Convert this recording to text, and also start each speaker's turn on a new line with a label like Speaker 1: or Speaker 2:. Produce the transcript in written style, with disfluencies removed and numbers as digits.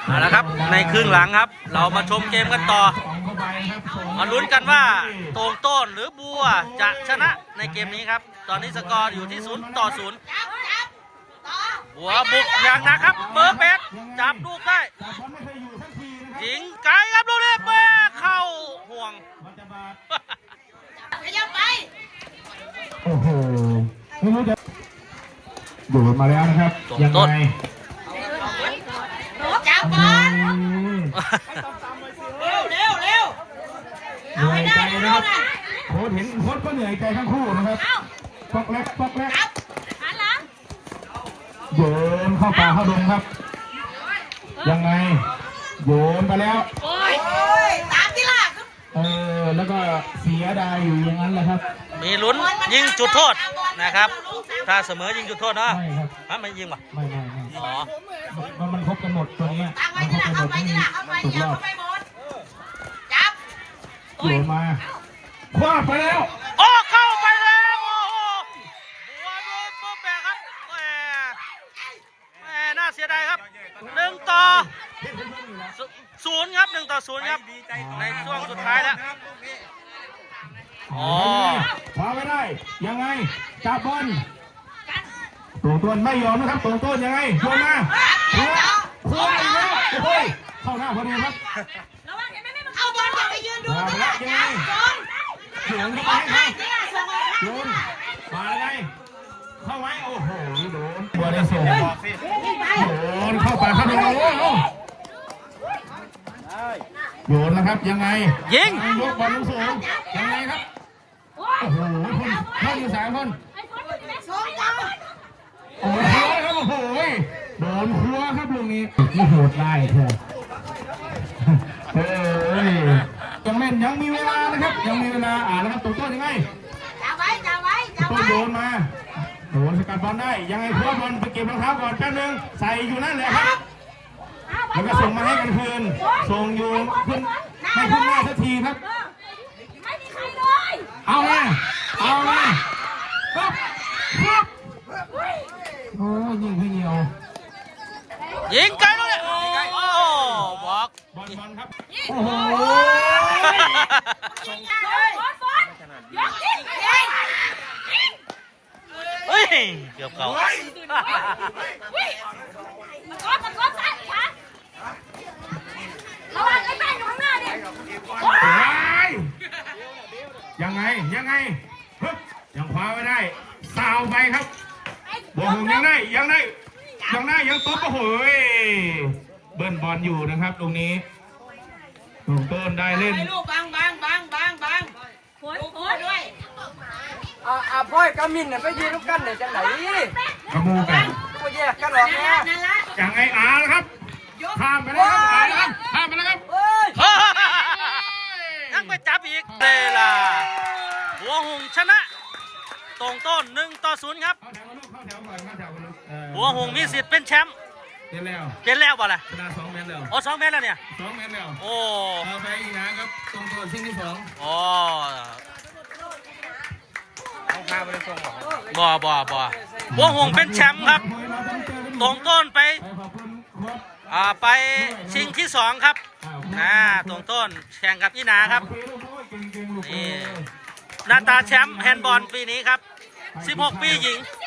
Speaker 1: เอาละครับในครึ่งหลังครับเรามาชมเกมกันต่อมาลุ้นกันว่าโต่งโต้นหรือบัวจะชนะในเกมนี้ครับตอนนี้สกอร์อยู่ที่0-0บัวบุกอย่างหนักครับเบอร์เป็ดจับลูกได้ยิงไกลครับลูกนี้เป้เข้าห่วง
Speaker 2: ขยับไป
Speaker 3: โอ้โหไม่รู้จะโดดมาแล้วนะครับยังไง
Speaker 2: จับบอลเร็ว
Speaker 3: เหนื่อยใจนะครับโค้ชเห็นโค้ชก็เหนื่อยใจทั้งคู่นะครับปอกแรกโยนเข้าป่าเข้าดงครับยังไงโยนไปแล้ว
Speaker 2: ตามที่ล่ะ
Speaker 3: แล้วก็เสียดายอยู่อย่างนั้นแหละครับ
Speaker 1: มีลุ้นยิงจุดโทษนะครับถ้าเสมอยิงจุดโทษเนาะ
Speaker 3: ไม่ครับ
Speaker 1: ไม่ยิงป่ะ
Speaker 3: ไม่
Speaker 1: อ๋อ
Speaker 3: มันครบกันหมดตัวนี้มันครบกันหมดที่ถูกรอบ
Speaker 2: จับ
Speaker 3: โยนมาคว้าไปแล้ว
Speaker 1: โอ้เข้าไปแล้วโอ้โหบัวโดนโปแปะครับแหมน่าเสียดายครับ1-0ครับ1-0ครับในช่วงสุดท้ายแล้ว
Speaker 3: คว้าไม่ได้ยังไงจับบอลตัวต้นไม่ยอมนะครับตัวต้นยังไงโยนมาคว้าอีกแล้วโอ้ยเข้าหน้าพอดีครับ
Speaker 2: เอาบอลไปยืนดู
Speaker 3: ตัวแล้วยังไงโยนเข้าไปให้โยนมาไงเข้าไว้โอ้โหโดนบัวได้ส่งโยนเข้าป่าเข้าดงโยนนะครับยังไง
Speaker 1: ยิง
Speaker 3: ยกบอลสูงยังไงครับโอ้โหคนอยู่3 คนโอ้โหครับโอ้โหโดนครัวครับลูกนี้นี่โหดไล่เถอะยังเล่นยังมีเวลานะครับยังมีเวลาแล้วครับตัวต้นยังไง
Speaker 2: จับไว้
Speaker 3: ต้นโดนมาโดนสกัดบอลได้ยังไงคว้าบอลไปเก็บรองเท้าก่อนแป๊บนึงใส่อยู่นั่นแหละครับแล้วก็ส่งมาให้กันคืนส่งอยู่ขึ้นไม่ขึ้นหน้าสักทีครับ
Speaker 2: ไม่มีใครเลย
Speaker 3: เอาเลยครับโอ้ยิงพี่เหี่ยว
Speaker 1: ยิงไกลเลยโอ้บอก
Speaker 3: บอลครับโอ้โห
Speaker 1: เฮ้ยเกือบเก่า
Speaker 2: มันก็ซ้ายขวาระวังไอ้แม่อยู่ข้างหน้าเนี่ย
Speaker 3: ยังไงยังคว้าไม่ได้สาวไปครับบอลยังได้ยังตบโอ้โหเบิ้ลบอลอยู่นะครับตรงนี้ลูกต้นได้เล่น
Speaker 2: ลูกบังโอ้ยด้วย
Speaker 4: พ่อยกามินเนี่ยไปยืนลูกกันเนี่ยจังไหน
Speaker 3: กระมูกัน
Speaker 4: ก็แยกกันหรอกเนี่ย
Speaker 3: ยังไงครับข้ามไปแล้วครับข้ามไปแล้วครับ
Speaker 1: ยังไปจับอีกเวลาบัวหงชนะโต่งโต้น1-0ครับบัวหงมีสิทธิ์เป็นแชมป์เป็นแล้วป่ะล่ะ
Speaker 3: ชนะ2 เมตรแล้ว
Speaker 1: 2 เมตรแล้วเนี่ย
Speaker 3: 2 เมตรแล้ว
Speaker 1: โอ้
Speaker 3: ไปอีกนะครับตรงตัวชิงที่2
Speaker 4: ต้องพาไปเลยส่งหรอ
Speaker 1: บัวหงเป็นแชมป์ครับโต่งโต้นไปชิงที่2ครับโต่งโต้นแข่งกับอีนาครับนี่หน้าตาแชมป์แฮนด์บอลปีนี้ครับ16 ปีหญิง